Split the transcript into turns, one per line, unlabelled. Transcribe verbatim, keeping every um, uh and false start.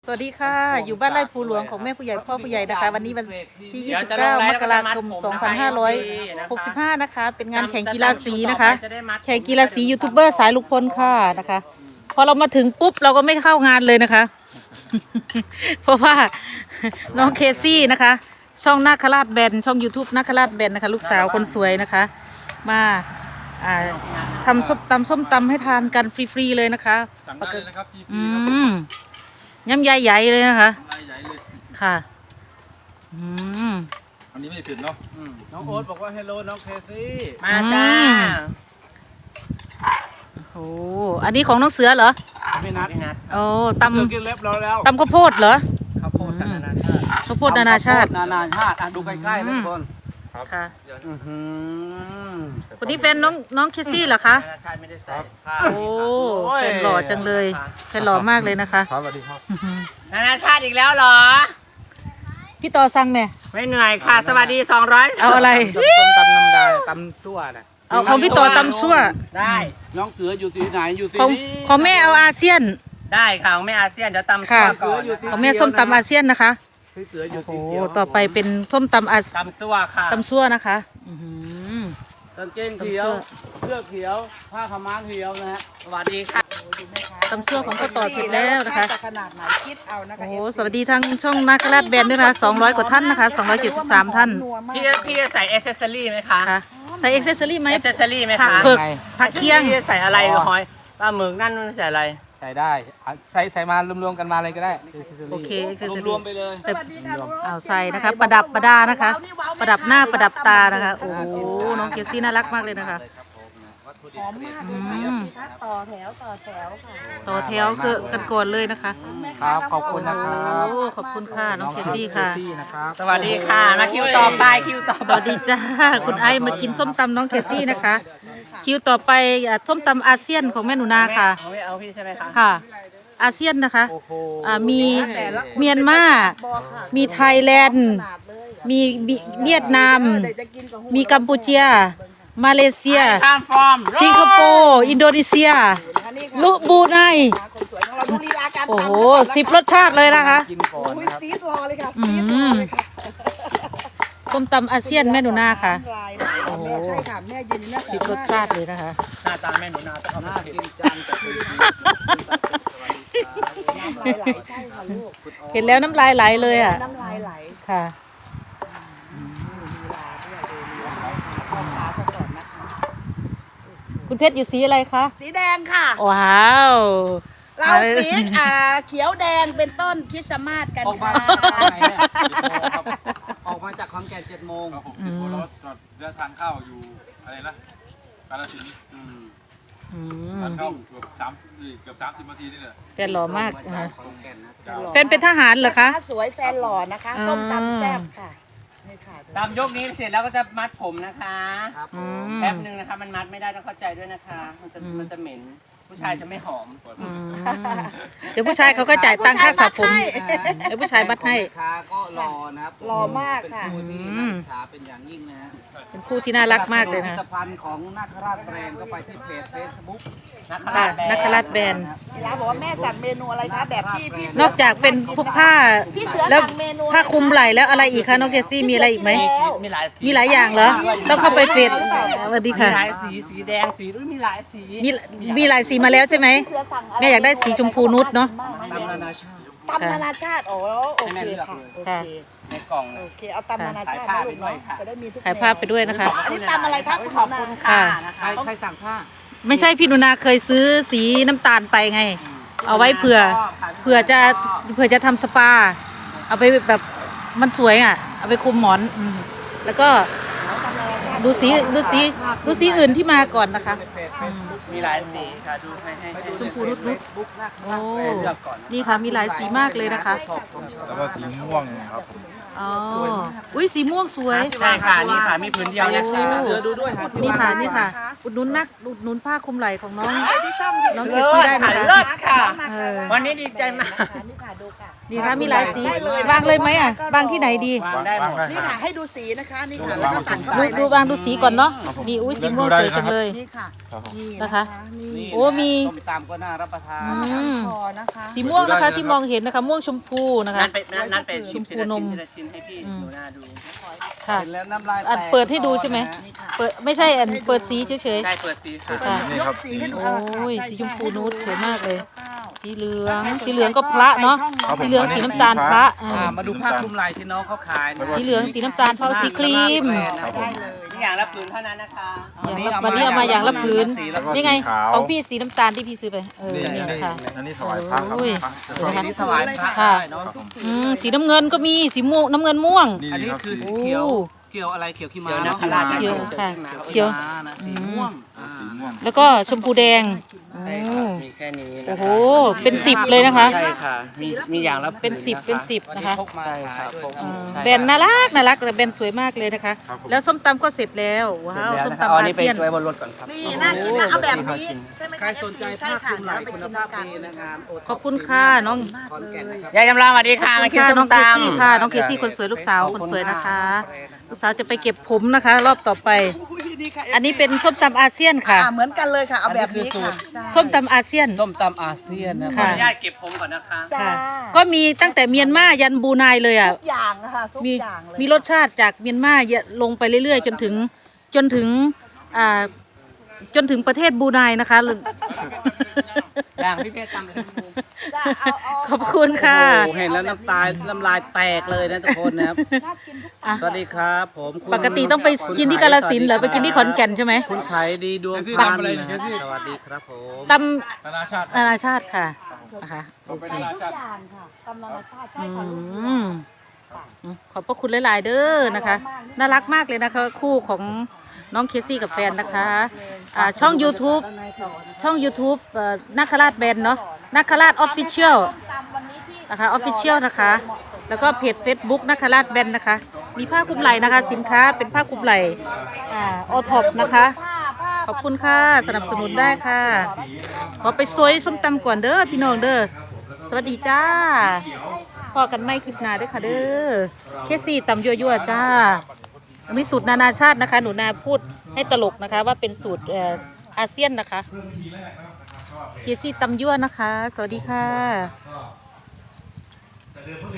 สวัสดีค่ะอยู่บ้านไร่ภูหลวงของแม่ผู้ใหญ่พ่อผู้ใหญ่นะคะวันนี้วันที่ยี่สิบเก้ามกราคมสองพันห้าร้อยหกสิบห้านะคะเป็นงานแข่งกีฬาสีนะคะแข่งกีฬาสียูทูบเบอร์สายลุกพลค่ะนะคะพอเรามาถึงปุ๊บเราก็ไม่เข้างานเลยนะคะ เพราะว่าน้องเคซี่นะคะช่องนาคราชแบนช่อง YouTube นาคราชแบนนะคะลูกสาวคนสวยนะคะมาอ่าทำส้มตำส้มตำให้ทานกันฟรีๆเลยนะคะ
สั่งได้เลยนะครับพี่
อืมยำใหญ่ๆเลยนะคะ
ลายใหญ่เลย ค่ะ
อืม
อันนี้ไม่ผิดเนาะ
น้องโอ๊ตบอกว่าเฮลโลน้องเคซี่
มาจ้าโอ้อันนี้ของน้องเสือเหรอ
ไม่นัด
โอ้ตำ
กินเล็บเราแล้ว
ตำข้าวโพดเหรอ
ข้าวโพดนานาชาติ
ข้าวโพดนานาชาติ
นานาชาติอ่ะดูใกล้ๆเลยทุกคน
ค่ะ
ค
นนี้แฟนน้องน้องเคซี่เหรอคะ
ไม่ได้ใส่
โอ้แฟนหล่อจังเลยแฟนหล่อมากเลยนะคะ
ครับสวัสดีครับ
นานาชาติอีกแล้วเหรอ
พี่ต่อสั่งเนี่ย
ไม่เหนื่อยค่ะสวัสดีสองร้อย
เอาอะไร
ต้มตำน้ำดาตำซั่วนะ
เอาของพี่ต่อตำซั่ว
ได้น้องเสืออยู่ที่ไหนอยู่ที่
นี่ของแม่เอาอาเซียน
ได้ค่ะของแม่อาเซียนเดี๋ยวตำซั่วก่อน
ของแม่ส้มตำอาเซียนนะคะ
เสืออยู่
โอ้ต่อไปเป็นส้มตำอา
ตำซั่วค่ะ
ตำซั่วนะคะ
กางเกงเขียวเสื้อเขียวผ้าขม้าเขียวนะฮะสวัสดีค่ะ
ตำซั่วของพ่อต่อเสร็จแล้วนะคะ
ขนาดไหนคิดเอานะคะ
โอ้สวัสดีทั้งช่องนาคราชแบนด้วยนะคะสองร้อยกว่าท่านนะคะสองร้อยเจ็ดสิบสามท่าน
พี่พี่จะใส่เอเซสซอรี่ไหมคะ
ใส่เอ็กเซสซอรี่ไหม
เอเซสซอรี่ไหมคะ
ผักเผือกผักเคียง
พี่จะใส่อะไรหอยปลาหมึกนั่นใส่อะไร
ใส่ได้ใส่ใส่มารวมๆกันมาเลยก็ได้
โอเคเอ็กเซสซอรี่
รวมไปเลย
เอาใส่นะคะประดับประดานะคะ ประดับหน้าประดับตานะคะโอ้โหน้องเคซี่น่ารักมากเลยนะคะ
หอมมากเลยค่ะต่อแถวต่อแถวค่ะ
ต่อแถวคือกันก่อนเลยนะคะ
ครับขอบคุณนะครับ
โอ้ขอบคุณค่ะน้องเคซี่ค่ะ
สวัสดีค่ะมาคิวต่อไปคิวต่อ
สวัสดีจ้าคุณไอมากินส้มตำน้องเคซี่นะคะคิวต่อไปส้มตำอาเซียนของแม่หนูนาค่ะ
เอาพี่ใช่ไหมคะ
ค่ะอาเซียนนะคะมีเมียนมามีไทยแลนด์มีเวียดนามมีกัมพูชามาเลเซียสิงคโปร์อินโดนีเซียลุบูไนโอ้โหสิบรสชาติเลยนะคะ
ซีดรอเลยค่ะซีดรอเลยค่ะ
ส้มตำอาเซียนแม่หนูนาค่ะ
โอ้โหใช่ค่ะแม่ยืนน่า
สิบรสชาติเลยนะคะ
หน้าตาแม่หนูนาแต่เขาไม่กินจานจะคุย
เห็นแล้วน้ำลายไหลเลยอ่ะ
น้ำลายไหล
ค่ะคุณเพชรอยู่สีอะไรคะ
สีแดงค่ะ
ว้าว
เราสีอ่าเขียวแดงเป็นต้นคริสต์มาสกันค่ะ
ออกมาจากคอนแก่นเจ็ดโมง
ครับผมติดโบรถจอดเรือทางเข้าอยู่อะไรนะกาฬสินธุ์ทางเข้าเกือบสามเกือบสามสิบนาทีนี่แหละ
แฟนหล่อมากแฟนเป็นทหารเหรอคะ
สวยแฟนหล่อนะคะส้มตำแซ่บค่ะ
ตามยกนี้เสร็จแล้วก็จะมัดผมนะคะแป๊บนึงนะคะมันมัดไม่ได้ต้องเข้าใจด้วยนะคะมันจะมันจะเหม็นผู้ชายจะไม่หอม
เดี๋ยวผู้ชายเขาก็จ่ายตังค่าสระผมเดี๋ยวผู้ชายมัดให้
ขาก็รอนะครับ
รอมากค่ะ
ชาเป็นอย่างยิ่งนะฮะ
เป็นคู่ที่น่ารักมากเลยนะ
ผลิตภัณฑ์ของนาคราชแบรนด์ก็ไปที่เพจเฟซบุ๊ก
นาคราชแบรนด์
พี่ร้านบอกว่าแม่สั่งเมนูอะไรคะแบบที่พี่
นอกจากเป็นพวกผ้าแล้วผ้าคลุมไหล่แล้วอะไรอีกคะน้องเคซี่มีอะไรอีกไหม
มีหลายสี
มีหลายอย่างเหรอต้องเข้าไปเฟซสวัสดีค่ะ
มีหลายสีสีแดงสีด้วยมีหลายสี
มีมีหลายสีมาแล้วใช่ไหมแม่อยากได้สีชมพูนุชเนาะ
ตำนานาชาติ
ตำนานาชาติโอ้โอเคค่ะโอเค
ในกล่อง
โอเคเอาตำนานาชาติไปด้วยจะได้มีทุก
ถ่ายภาพไปด้วยนะคะ
อันนี้ตำอะไรครับ
ขอบคุณค่ะใครสั่งผ้า
ไม่ใช่พี่หนูนาเคยซื้อสีน้ำตาลไปไงเอาไว้เผื่อเผื่อจะเผื่อจะทำสปาเอาไปแบบมันสวยอ่ะเอาไปคุมหมอนแล้วก็ดูสีดูสีดูสีอื่นที่มาก่อนนะคะ
มีหลายสีค่ะดูให้ให้
ชมพูนุชนุชโอ้นี่ค่ะมีหลายสีมากเลยนะคะ
แล้วก็สีม่วงครับ
อ๋ออุ้ยสีม่วงสวย
ใช่ค่ะนี่ค่ะมีผืนเดียวนะ
โอ้
คะ
เสือดูด้วยครับ
นี่ค่ะนี่ค่ะอุดหนุนนักอุดหนุนผ้าคลุมไหล่ของน้อง
ที่ช่อง
น้องเค
เลิ
ซี่
ศ
ได้นะ
ค่ะ
คะ
เลิศค่ะ
เออ
วันนี้ดีใจมาก
นี่ค่ะดูค่ะ
ดีค่ะมีหลายสีวางเลยไหมอ่ะวางที่ไหนดี
วางได้หมด
นี่ค่ะให้ดูสีนะคะนี่ค่ะแล้วก็สั่งเข้า
ดู
ไป
ดูวางดูสีก่อนเนาะนี่อุ้ยสีม่วงสวยจังเลย
นี่ค่ะนี่
นะคะ
นี่
โอ้มี
ส้มตำก็น่ารับประทาน
อืม
พอนะคะ
สีม่วงนะคะที่มองเห็นนะคะม่วงชมพูนะคะ
นั่นเป็นนั่นเป็น
ชมพูนม
ทีละชิ้นให้พี่
อืม
หนูหน้าดู
ค่ะ
เห็นแล้วน้ำลาย
อัน
แตก
เปิดให้ดูใช่ไหม
นี่ค่ะ
เปิดไม่ใช่อันเปิดสีเฉย
ใช่เปิดสีค่ะ
ค่ะ
ยกสีให้ดู
โอ้
ค่ะ
ย
ใ
สีชมพูนูดสวยมากเลย
ข้าว
ๆสีเหลืองสีเหลืองก็พระเนาะสีเหลืองสีน้ำตาลพระอ่า
อ่ามาดูผ้าคลุมไหล่ที่น้องเขาขายนะ
สีเหลืองสีน้ำตาลเผาสีครีม
ได้เลย
นี่อย่างละผืนเท่านั้นนะคะ
อย่างละวันนี้เอามาอย่างละผืน
แล้วก็
นี่ไง
สีขาว
ของพี่สีน้ำตาลที่พี่ซื้อไปเออ
นี่
เนี่ย
นี่
ค่ะ
อันนี้ถวายพระครับ
โอ้ย
พระ
เห็นไหมคะ
นี่ถวายพระ
ค่ะ
ได้เนาะ
อืมสีน้ำเงินก็มีสีม่วงน้ำเงินม่วง
นี่
อันนี้
ครับ
คือสี
สี
เขียว
โอ้
เขียวอะไรเขียวขี้ม้า
เขียว
เนาะ
นาคราช
เขียวค่ะ
เขี
เขี
ย
ยว ว
ม้านะสีม่วงอ่า
สีม่วง
แล้วก็ชมพูแดง
ใช่
โอ้
ค่ะมีแค่นี้นะคะ
โอ้โหเป็นสิบเลยนะคะ
ใช่ค่ะมีมีอย่างละ
เป็นสิบเป็นสิบ
วัน
นะ
นี้
คะ
พกมา
ใช่
ขา
ค่ะ
ยด้วย
พก
เนาะ
อืม
ใช่
แบรนด์น่ารักน่ารักแต่แบรนด์สวยมากเลยนะคะ
ครับผม
แล้วส้มตำก็เสร็จแล้วว้าว
เดี๋ยว
ส้ม
นะคะ
ตำ
เอาอัน
อา
นี้ไป
เซียน
ไว้บนรถก่อนครับ
นี่น่ากินนะเอาแบบนี้ใช่ไหมะ
ใครสนใจ
ใช่
ผ้าค
ค่ะ
ลุมไหล่
เดี๋ยว
คุณ
ไป
ภาพ
กิน
ดี
กัน
นะครับโ
ขอบคุณค่ะน้อง
ขอนแก่นนะครับ
ยายจำลองสวัสดีค่ะมากิน
ค่ะ
ส้
น้อ
ม
งเค
ต
ซี่ค่ะน้องเคซี่คนสวยลูกสาวคนสวยนะคะ ลูกสาวจะไปเก็บผมนะคะ รอบต่อไป
นี่ค่ะ
อันนี้เป็นส้มตำอาเซียนค่ะ
อ่าเหมือนกันเลยค่ะเอาแบบนี้
อันนี้คือสู
ค่ะ
ตร
ใช่
ส้มตำอาเซียน
ส้มตำอาเซียนนะ
ำขอ
ค่ะ
อนุญาตเก็บผมก่อนนะคะ
จ้า
ค่ะ ก็มีตั้งแต่เมียนมายันบรูไนเลยอ่ะ
ทุกอย่างอะค่ะทุก
มี
อย่างเลย
มีรสชาติจากเมียนมาลงไปเรื่อยๆ จนถึงจนถึงอ่าจนถึงประเทศบรูไนนะคะ
อย่างพี่เพชรตำเลย
จ้าเอาเอา
ขอบคุณค่ะ
โอ้โหเห็นแล้วน้ำตาน้ำลายแตกเลยนะทุกคนนะครับ
น่ากินทุก
อ่ะ
สวัสดีครับผมคุณ
ปกติต้องไปกินที่กาฬสินธุ์เหรอไปกินที่ขอนแก่นใช่ไหม
คุณไขดีดวง
ที่
พัน
ทำอะไร
นะ
เนี่ย
ครับ
ที่
สวัสดีครับผม
ต
นานาชาติ
ำนานาชาติค่ะนะคะ
ต่อไป
ทุ
นาก นาชาติ
อย่างค่ะตำนานาชาติใช่
อื
ค่ะลูก
มอืมขอบพระคุณหลายๆเด้อนะคะ น่ารักมากเลยนะคะ คู่ของน้องเคซี่กับแฟนนะคะอ่าช่อง YouTube ช่อง YouTube เอ่อนาคราชแบนเนาะนาคราชออฟฟิเชียล
ตำวันนี้ที่
นะคะออฟฟิเชียลนะคะ แล้วก็เพจ Facebook นาคราชแบนนะคะ มีผ้าคลุมไหล่นะคะ สินค้าเป็นผ้าคลุมไหล่อ่าออท็อปนะคะ
ผ้าผ้า
ขอบคุณค่ะสนับสนุนได้ค่ะ ขอไปซวยส้มตำก่อนเด้อพี่น้องเด้อสวัสดีจ้าพอกันไม่คลิปหน้าเด้วยค่ะเด้อเคซี่ตำยั่วๆจ้าอันนี้สูตรนานาชาตินะคะ หนูนาพูดให้ตลกนะคะ ว่าเป็นสูตรเอ่ออาเซียนนะคะเคซี่ตำยั่วนะคะ สวัสดีค่ะ